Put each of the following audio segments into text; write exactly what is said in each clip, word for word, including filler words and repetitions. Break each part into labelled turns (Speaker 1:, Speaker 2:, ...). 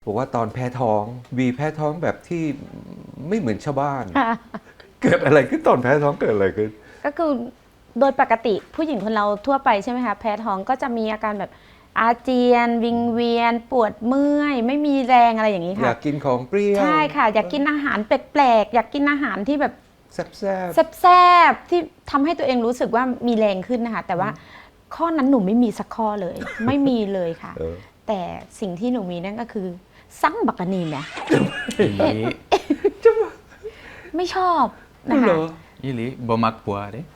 Speaker 1: บอกว่าตอนแพ้ท้องวีแพ้ท้องแบบที่ไม่เหมือนชาวบ้าน เกิดอะไรขึ้นตอนแพ้ท้องเกิดอะไรขึ้น
Speaker 2: ก็คือโดยปกติผู้หญิงคนเราทั่วไปใช่ไหมคะแพ้ท้องก็จะมีอาการแบบอาเจียนวิงเวียนปวดเมื่อยไม่มีแรงอะไรอย่างนี้ค่ะ
Speaker 1: อยากกินของเปรี้ยว
Speaker 2: ใช่ค่ะอยากกินอาหารแปลกๆอยากกินอาหารที่แบบ
Speaker 1: แซ่บแซ่บ
Speaker 2: แซ่บๆที่ทำให้ตัวเองรู้สึกว่ามีแรงขึ้นนะคะแต่ว่าข้อนั้นหนูไม่มีสักข้อเลย ไม่มีเลยค่ะแต่สิ่งที่หนูมีนั่นก็คือสั่งบักกะนีเนี่ยไม่ชอบนะคะ
Speaker 3: อีหลีบ่มักปัวเด้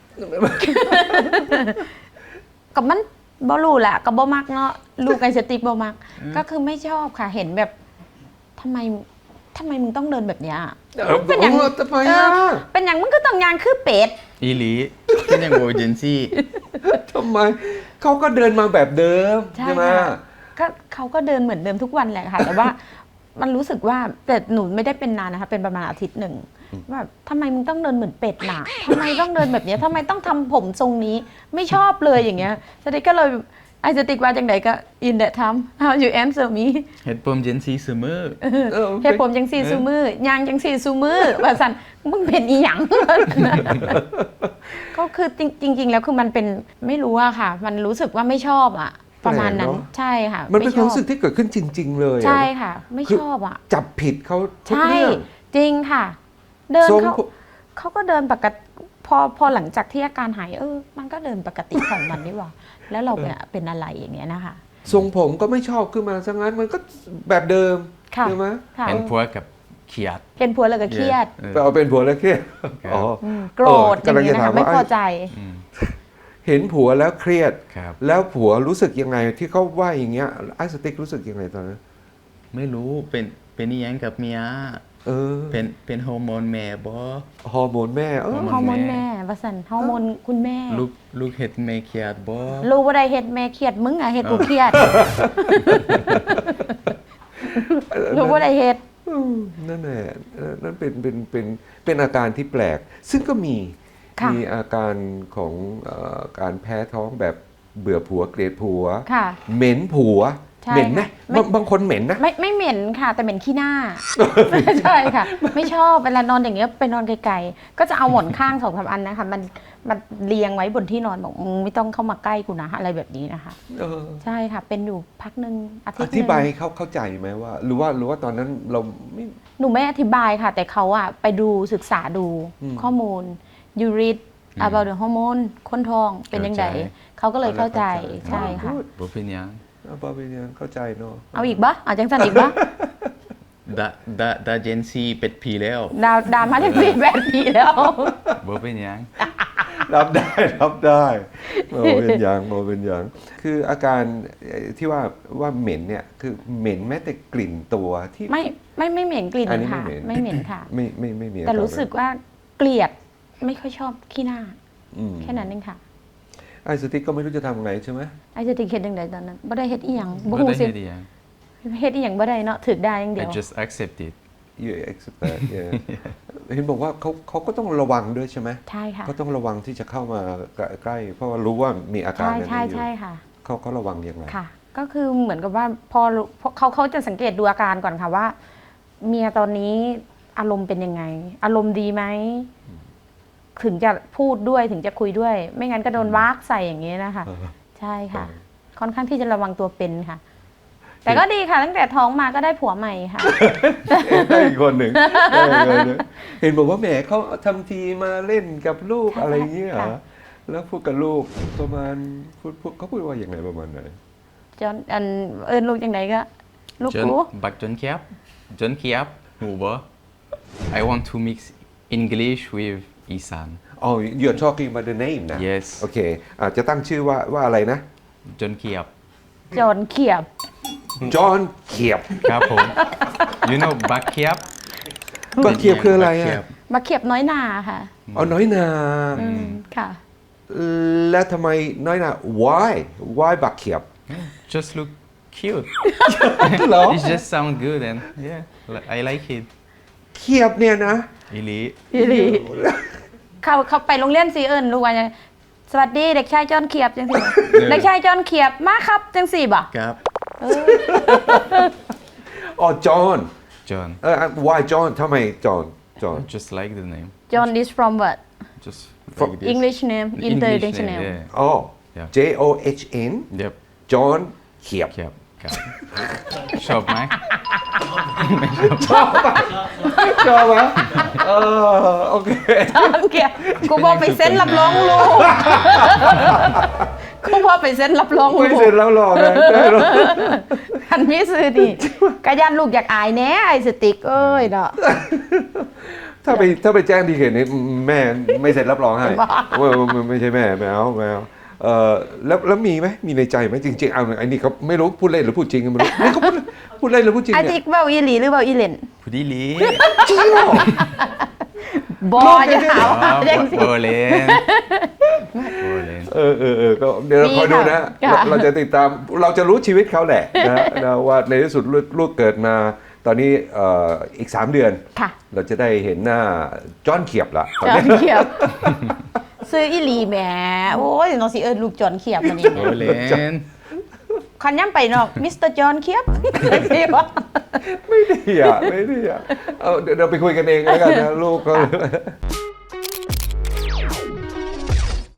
Speaker 2: กับมันบ่รู้แหละกับบ่มักเนาะลูกไอสติกบ่มักก็คือไม่ชอบค่ะเห็นแบบทำไมทำไมมึงต้องเดินแบบเนี้ย
Speaker 1: เป็นอย่างทำไมอ่ะ
Speaker 2: เป็นอย่างมึงก็ต้องยางคือเป็ด
Speaker 3: อีหลีเป็นอย่างโอเจนซี่
Speaker 1: ทำไมเขาก็เดินมาแบบเดิมใช่ไหม
Speaker 2: ก็เขาก็เดินเหมือนเดิมทุกวันแหละค่ะแต่ว่ามันรู้สึกว่าแต่หนูไม่ได้เป็นนานนะคะเป็นประมาณอาทิตย์หนึ่งว่าทำไมมึงต้องเดินเหมือนเป็ดน่ะทำไมต้องเดินแบบนี้ทำไมต้องทำผมทรงนี้ไม่ชอบเลยอย่างเงี้ยสติกก็เลยไอสติกว่าจังไหนก็ in that time how you answer me
Speaker 3: เฮ็ดผมจังซี่ซุมื้อ
Speaker 2: เฮ็ดผมจังซี่ซุมื้อย่างจังซี่ซุมื้อว่าซั่นมึงเป็นอีหยังก็คือจริงๆแล้วคือมันเป็นไม่รู้อะค่ะมันรู้สึกว่าไม่ชอบอะประมาณนั้นใช่ค่ะ
Speaker 1: มันเป็นความรู้สึกที่เกิดขึ้นจริงๆเลย
Speaker 2: ใช่ค่ะไม่ชอบอ่ะ
Speaker 1: จับผิดเขาทุกเรื่อง
Speaker 2: จริงค่ะเดินเขาเขาก็เดินปกติพอพอหลังจากที่อาการหายเออมันก็เดินปกติของมันนี่หว่าแล้วเราเป็นอะไรอย่างเงี้ยนะคะ
Speaker 1: ทรงผมก็ไม่ชอบขึ้นมาซะงั้นมันก็แบบเดิมใช่ไหม
Speaker 3: เป็นผัวกับเครียด
Speaker 2: เป็นผัวแล้วก็เครียด
Speaker 1: เอาเป็นผัวแล้วเครียดอ๋อ
Speaker 2: โกรธอย่างเงี้ยนะคะไม่พอใจ
Speaker 1: เห็นผัวแล้วเครียดแล้วผัวรู้สึกยังไงที่เขาว่าอย่างเงี้ยไอสติ๊กรู้สึกยังไงตอนนั้น
Speaker 3: ไม่รู้เป็นเป็นยังกับเมีย
Speaker 1: เออ
Speaker 3: เป็นเป็นฮอร์โมนแม่บ่
Speaker 1: ฮอร์โมนแม่เออ
Speaker 2: ฮอร์โมนแม่ว่าซั่นฮอร์โมนคุณแม่
Speaker 3: ลูกลูกเฮ็ดแม่เครียดบ่
Speaker 2: ลูกบ่ได้เฮ็ดแม่เครียดมึงอ่ะเฮ็ดกูเครียดลูกบ่ได้เฮ็ด
Speaker 1: นั่นแหละนั่นเป็นเป็นเป็นเป็นอาการที่แปลกซึ่งก็มีมีอาการของการแพ้ท้องแบบเบื่อผัวเกลียดผัวเหม็นผัวเหม็นไหมบางคนเหม็นนะ
Speaker 2: ไม่ไม่เหม็นค่ะแต่เหม็นขี้หน้าใช่ค่ะไม่ชอบเวลานอนอย่างเงี้ยไปนอนไกลๆก็จะเอาหมอนข้างสองสามอันนะคะมันมันเรียงไว้บนที่นอนบอกไม่ต้องเข้ามาใกล้กูนะอะไรแบบนี้นะคะใช่ค่ะเป็นอยู่พักนึงอาทิตย์นึง
Speaker 1: อธิบายเขาเข้าใจไหมว่าหรือว่าหรือว่าตอนนั้นเราไม่
Speaker 2: หนูไม่อธิบายค่ะแต่เขาอะไปดูศึกษาดูข้อมูลyou read about the hormone คนท้องเป็นยังไงเขาก็เลยเข้าใจใช่ค่ะ
Speaker 3: บ่เป็นหยัง
Speaker 1: บ่เป็นหยังเข้าใจเนาะ
Speaker 2: เอาอีกบ่เอาจังซั่นอีกบ่
Speaker 3: ดาดาดาเจนซี่เป็ดผีแล้ว
Speaker 2: ดาดามาจังซี่เป็ดผีแล้ว
Speaker 3: บ่เป็นหยัง
Speaker 1: รับได้รับได้บ่เป็นหยังบ่เป็นหยังคืออาการที่ว่าว่าเหม็นเนี่ยคือเหม็นแม้แต่กลิ่นตัวที่
Speaker 2: ไม่ไม่ไม่เหม็นกลิ่นค่ะไม่เหม็นค่ะ
Speaker 1: ไม่ไม่ไม่มี
Speaker 2: แต่รู้สึกว่าเกลียดไม่ค่อยชอบขี้หน้าแค่นั้นเองค่ะ
Speaker 1: ไอสติ๊กก็ไม่รู้จะทำไงใช่ไหม
Speaker 2: ไอสติ๊กเฮ็ดจังไดตอนนั้นบ่ได้เฮ็ดอีหยังบ่ฮู้สิเฮ็ดอีหยังบ่ได้เนาะถึกได้อย่างเดียว
Speaker 3: I just accept it
Speaker 1: you accept that yeah เห็นบอกว่าเขาเขาก็ต้องระวังด้วยใช่ไหม
Speaker 2: ใช่ค่ะ
Speaker 1: เขาต้องระวังที่จะเข้ามาใกล้เพราะว่ารู้ว่ามีอาการ
Speaker 2: ใช่ใช่ค่ะ
Speaker 1: เขาเขาระวังยังไง
Speaker 2: ค่ะก็คือเหมือนกับว่าพอเขาเขาจะสังเกตดูอาการก่อนค่ะว่าเมียตอนนี้อารมณ์เป็นยังไงอารมณ์ดีไหมถึงจะพูดด้วยถึงจะคุยด้วยไม่งั้นก็โดนวากใส่อย่างนี้นะคะใช่ค่ะค่อนข้างที่จะระวังตัวเป็นค่ะแต่ก็ดีค่ะตั้งแต่ท้องมาก็ได้ผัวใหม่ค่ะ
Speaker 1: ได้อีกคนหนึ่งเห็นบอกว่าแหมเขาทำทีมาเล่นกับลูกอะไรเงี้ยแล้วพูดกับลูกประมาณพูดเขาพูดว่าอย่างไรประมาณไหน
Speaker 2: จนอันเอิญลูกอย่างไรก็ลูกกู
Speaker 3: บักจนเคียบจนเคียบหูบ่ I want to mix English withอีสาน
Speaker 1: Oh you're talking about the name นะ
Speaker 3: Yes
Speaker 1: โอเคอาจจะตั้งชื่อว่าว่าอะไรนะ
Speaker 3: จนเคียบ
Speaker 2: จอนเขียบ
Speaker 1: จอนเขียบ
Speaker 3: ครับผม You know บักเคียบ
Speaker 1: บักเขียบคืออะไรอ่ะ
Speaker 2: บักเขียบน้อยนาค่ะ
Speaker 1: อ๋อน้อยนา
Speaker 2: ค่ะ
Speaker 1: แล้วทำไมน้อยนา Why Why บักเขียบ
Speaker 3: Just look cute It just sound good and yeah I like it
Speaker 1: เขียบเนี่ยนะ
Speaker 3: อีหลี
Speaker 2: อีหลีเขาเขาไปโรงเรียนสีเอิญลูกว่าสวัสดีเด็กชายจอนเขียบจังสิเด็กชายจอนเขียบมาครับจังสี่บ่
Speaker 3: ครับ
Speaker 1: อ๋อจอห์น
Speaker 3: John
Speaker 1: เออ why จอห์นทำไมจอห์นจอห์น
Speaker 3: just like the name
Speaker 2: John is from what
Speaker 3: just
Speaker 1: From
Speaker 3: like this.
Speaker 2: English name
Speaker 3: English
Speaker 2: international
Speaker 3: name, yeah.
Speaker 1: อ๋อ
Speaker 3: Yeah.
Speaker 1: J O H N
Speaker 3: เดี๋ยว
Speaker 1: จอห์นเขียบ
Speaker 3: ครับครับ ชอบไหม
Speaker 1: ชอบปะชอบปะเออโอเค
Speaker 2: เกียกูบอกไปเซ็นรับรองลูกกูบอกไปเซ็นรับรองลู
Speaker 1: ไม่
Speaker 2: ก
Speaker 1: เสร็จแล้วหรอกนะได้หรอก
Speaker 2: คันมีซื้อดิกะยันลูกอยากอายแน่ไอ้สติ๊กเอ้ยเนาะ
Speaker 1: ถ้าไปถ้าไปแจ้งดีเขตนี้แม่ไม่เซ็นรับรองให้ว่าไม่ไม่ใช่แม่ไม่เอาไม่เอาเออแล้วแล้วมีไหมมีในใจไหมจริงๆเอาไอ้นี่เขาไม่รู้พูดเล่นหรือพูดจริงก็ไม่รู้นี่เขาพูดพูดเล่นหรือพูดจริง
Speaker 2: ไอ้
Speaker 1: เนี่
Speaker 2: ติ๊
Speaker 1: ย
Speaker 2: กเบ้าอีหลีหรือเบ้าอีเล่น
Speaker 3: ผู้ดีลี
Speaker 1: จริงเหรอ
Speaker 2: บอจะถาม
Speaker 3: อ๋อ
Speaker 2: ว่าจังสิ
Speaker 3: โบเลนโบเลน
Speaker 1: เออเออเออก็เดี๋ยวเราคอยดูนะ
Speaker 2: ค่ะ
Speaker 1: เราเราจะติดตามเราจะรู้ชีวิตเขาแหละนะนะว่าในที่สุดลูกลูกเกิดมา ตอนนี้เอ่ออีกสามเดือน
Speaker 2: ค่ะ
Speaker 1: เราจะได้เห็นหน้าจอห์นเขียบละตอน
Speaker 2: จอน
Speaker 1: นี้
Speaker 2: เขียบซื้ออีหลีแหมโอ้ยน้องสิเอิญลูกจอนเขียบมันนี่
Speaker 3: โบเลน
Speaker 2: คันย่ำไปนอกมิสเตอร์จอนเขียบสิวะ
Speaker 1: ไม่ดีอ่ะไม่ดีอ่ะเอาเดี๋ยวเราไปคุยกันเองแล้วกันนะลูกเขา